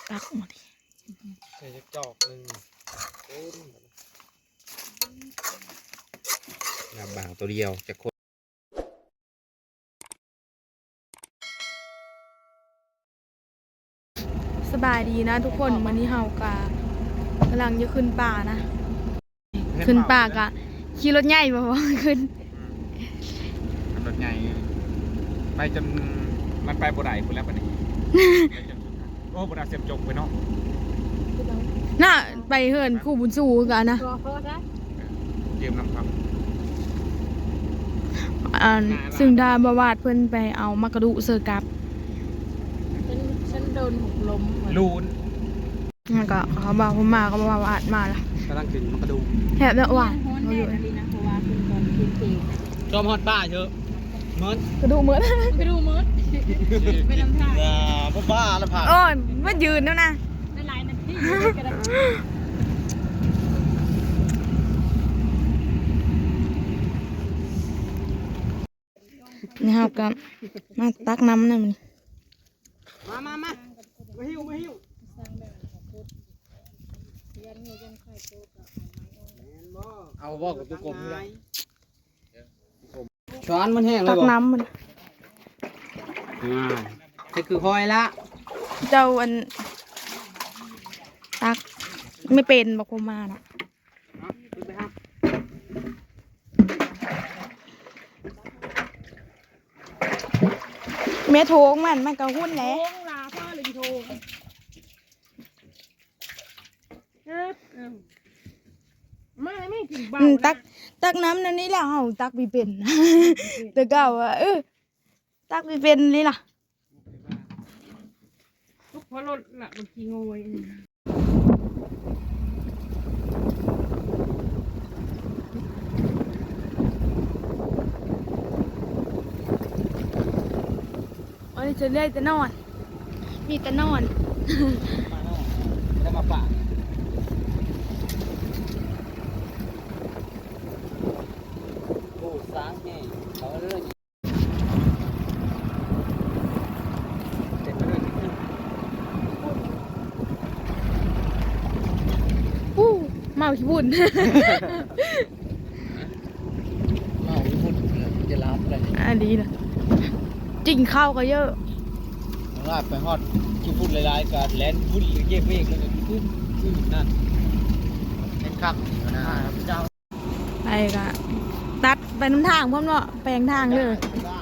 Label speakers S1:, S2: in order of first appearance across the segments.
S1: ตักมาดิ
S2: ใส่จอกหนึ่งน้ำบางตัวเดียวจะคน
S1: สบายดีนะทุกคนวันนี้เฮากำลังจะขึ้นป่านะขึ้นป่ากะขี่รถใหญ่บ่ขึ้น
S2: รถใหญ่ไปจนมันไปบ่ได้พุ่นแล้วปะนี่โอ้บ่ได้เสียบจกไปเนาะ
S1: น่ะไปเหินคู่บุญสู้กันนะ
S2: ยืมน้ำพัก
S1: ซึ่งดาบวาดเพิ่นไปเอามากระดูเซอร์กับ
S3: ฉันโดนหกล้ม
S2: ลูน
S1: มันก็เขาบอกผมมาก็บอกว่าวาดมาละ
S2: กำลังกินมันกระดู
S1: แหบแล้วหวาน
S3: เขาอยู่นะเพราะว่าคุณตอนเที่ยง
S2: จอมฮอดป้าเยอะเมิด
S1: กระดูเหมือน
S3: ไปดูมืดไปลำทาง
S2: บ้าแล้วผ่าน
S1: โอ้ยมันยืนแล้วนะ
S3: ไม่หลายนาที
S1: นี่ครับกับมาตักน้ำนะมัน
S2: มาหิวเอาบอกกับตัวกลมเลยช้อนมันแห้งเลย
S1: ตักน้ำมัน
S2: นี่คือหอยละ
S1: เจ้าอันตักไม่เป็นบอกผมมานะแม่โถงมันก็หุ้นแหละ
S3: ลาพ่อเลยโทรไม่ถึงบ้าน
S1: ตักน้ำนั่นนี่แหละเอาตักไม่เป็นแต่เก่าตักไม่เป็นนี่ล่ะ
S3: ทุกพอรถละบางทีงวย
S1: อันนี้จะได้แต่นอนมีแต่นอน
S2: แล้วมาป่าโอ้สางแห้งเขาเรื่อง
S1: เมาขี้บุญ
S2: เมาญี่ปุ่นจะรับอะไร
S1: อันนี้นะจริงข้าวก็เยอะ
S2: ลาบไปฮอดญี่ปุ่นหลายๆการแลนด์พุ่นหรือเก็บเองแล้วก็ขึ้นนั่นเป็นคักนะครับเจ้า
S1: ไปกะตัดไปน้ำทางพร้อมเนาะแปลงทางเลย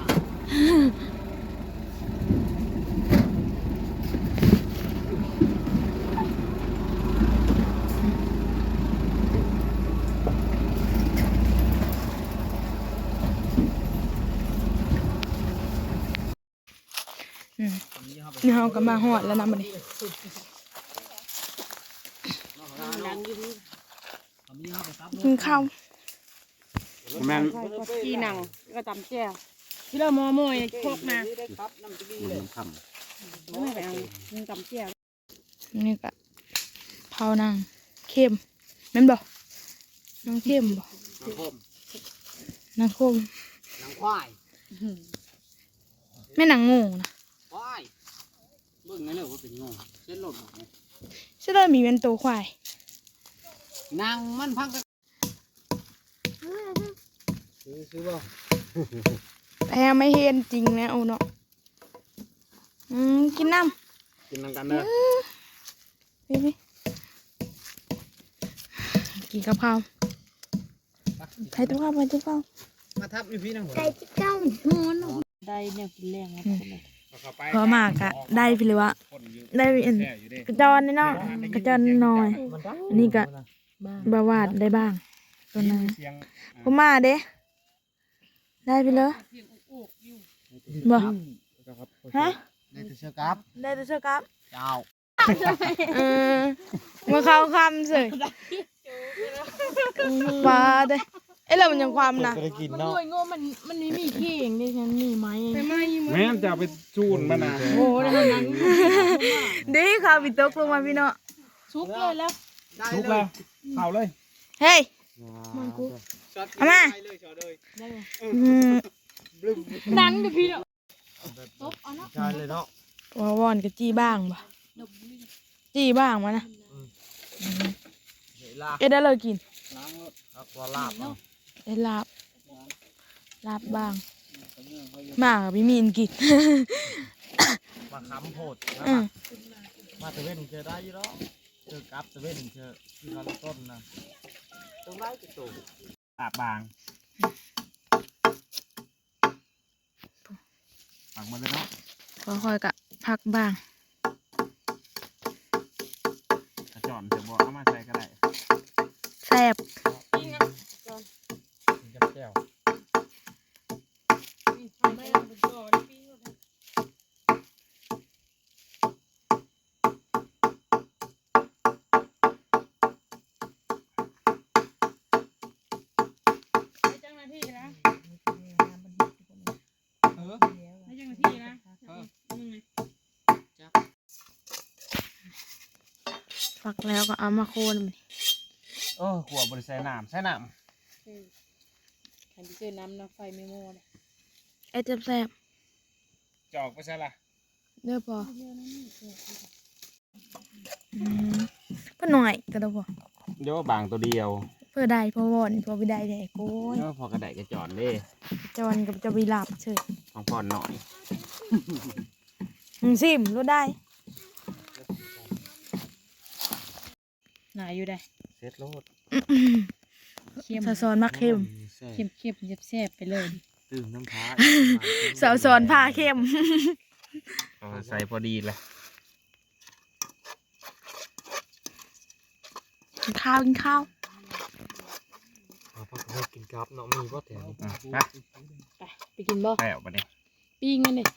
S1: นี่เราก็มาหอดแล้วนะมันนี่กินข้าว
S2: แม่ง
S3: กีหนังก็ตำแจ่วที่เราโมยพวกมาไม่ไปเอาตำแจ่ว
S1: นี่ก็เผานางเข้มแม่นบอกนางเข้มบอกนางคม
S2: นางควาย
S1: แม่นางงูนะ
S2: ควายเบิ่งไงเลยว่าเป็นงูเส้นหล่นหมดเลย
S1: ใช่เลยมีเป็นตัวควาย
S2: นางมันพังกันซื้อบ่
S1: แพ้ไม่เห็นจริงนะโอ้เนาะกินน้
S2: ำกันเด้อ
S1: พี่กินกับข้าวใครตัวข้าวไปตัวข้าว
S2: มาทับอยู่พี่นางหัว
S3: ไก่จิ๊กเก้าหัวน้องได้เนี่ยกินแรงครับ
S1: พอมากอะได้ไปเลยวะได้กระจรนี่เนาะกระจรหน่อยอันนี้ก็บาวาดได้บ้างตัวนั้นพอมาเด้ได้ไปเลยบ่ฮะ
S2: ได้แต่เชือกครับ
S1: ได้แต่เชือกครับ
S2: เจ้า
S1: มาเข้าคำสิมาเด้เอ้ยเรามันยังความนะ
S3: มันด้วยโง่มันไม่มีขี้เองดิฉันมีไหม
S2: แม่จะไปจูนมันนะ
S3: โอ้ได้ขนาดนั้น
S1: ดีข้าวปิตกลงมาพี่เนาะ
S3: ชุบเลยแล้ว
S2: ชุบเลยเผาเลย
S1: เฮ้ยเอามา
S3: ดังเดี๋ยวพี่เนาะตบเอาเนาะ
S2: ใช่เลยเนาะ
S1: วอนกับจี้บ้างป่ะจีบ้างมานะ
S2: เดี๋ยวลา
S1: เอ็ดได้เลยกิน
S2: ล้างรถเอาตัวลาบเนาะ
S1: เอ็ดลาบบ้างมากกับพี่มีนกิน
S2: มาค้ำโพดนะ
S1: อืม
S2: มาตะเวนเจอได้อยี่หรอเจอกับตะเวนเจอที่เขาต้นนะตรงได้จะตูลาบบางฝังมาเลยเนาะ
S1: ค่อยๆกะพักบ้าง
S2: กระจอนจะบอกเอามาใส่ก็ได้
S1: แซ่บ
S3: ปิ้งอ่ะก่อน
S2: กินกับแก้ว
S3: ไม่เอาไปก่อนปิ้งก่อนให้เจ้าหน้าที่นะ
S2: เออ
S3: ให้เจ้าหน้าที่นะยังไง
S1: ฟักแล้วก็เอามาโคนมัน
S2: ขวบบริใส่น้ำใส่น้
S3: ใครที่เจอน้ำน้ำไฟไม่โม่เลย
S1: เอ็ดแซ่บ
S2: ำจอกไปใส่ละ
S1: ๆเด้อพอเพื่อหน่อยก็ได้พอ
S2: เดี๋ยวบางตัวเดียว
S1: เพื่อได้พอวอนพอไปได้ได้โก้ย
S2: เดี๋ยวพอกระไดกระจอนเด้
S1: จอนกับจะไปหลับเฉย
S2: ของพ่อหน่อย
S1: ซิมรู้ได้
S3: หนาอยู่ได้
S2: เซ็ตโลด
S3: เข้ม
S1: สาวสอนมักเข้ม
S3: เข้มเข้มแซ่บไปเลย
S2: ตื่นน้ำท้า
S1: สาวสอนผ้าเข้ม
S2: ใส่พอดีเลย
S1: กินข้าวกินข้าว
S2: พักให้กินกับเนาะมีก็แถวไป
S3: ไปกินบ่
S2: แถวไปเนี่ย
S3: ปิ้งกันเลย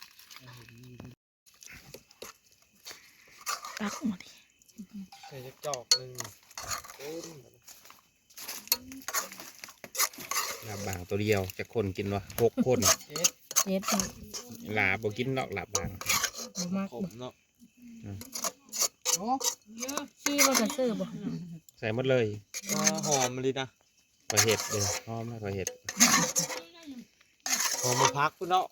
S1: ตักหมด
S2: ใส่จอกหนึ่งลาบบางตัวเดียวจะคนกินวะ6 คน
S3: เจ็ด
S2: ลาบกินเนาะลาบบาง
S3: มาก
S2: ผมเนาะ
S3: ซื้อมาจะซื้อบ่
S2: ใส่หมดเลยหอมเลยนะกระเห็ดเลยหอมนะกระเห็ดหอมมาพักกูเนาะ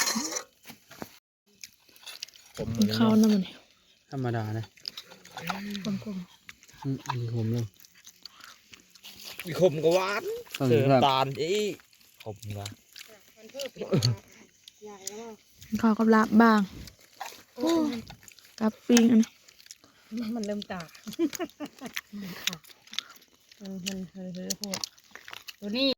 S2: ผม
S1: กินข้าวน้ำมัน
S2: ธรรมดานะ
S1: กลม
S2: มีขมเลยมีขมกับหวานเสือตาลอีขมกับ
S1: ๆกินข้าวกับลาบบ้างกับปิ้งอันนี้
S3: มันเริ่มตามันโหดตัวนี้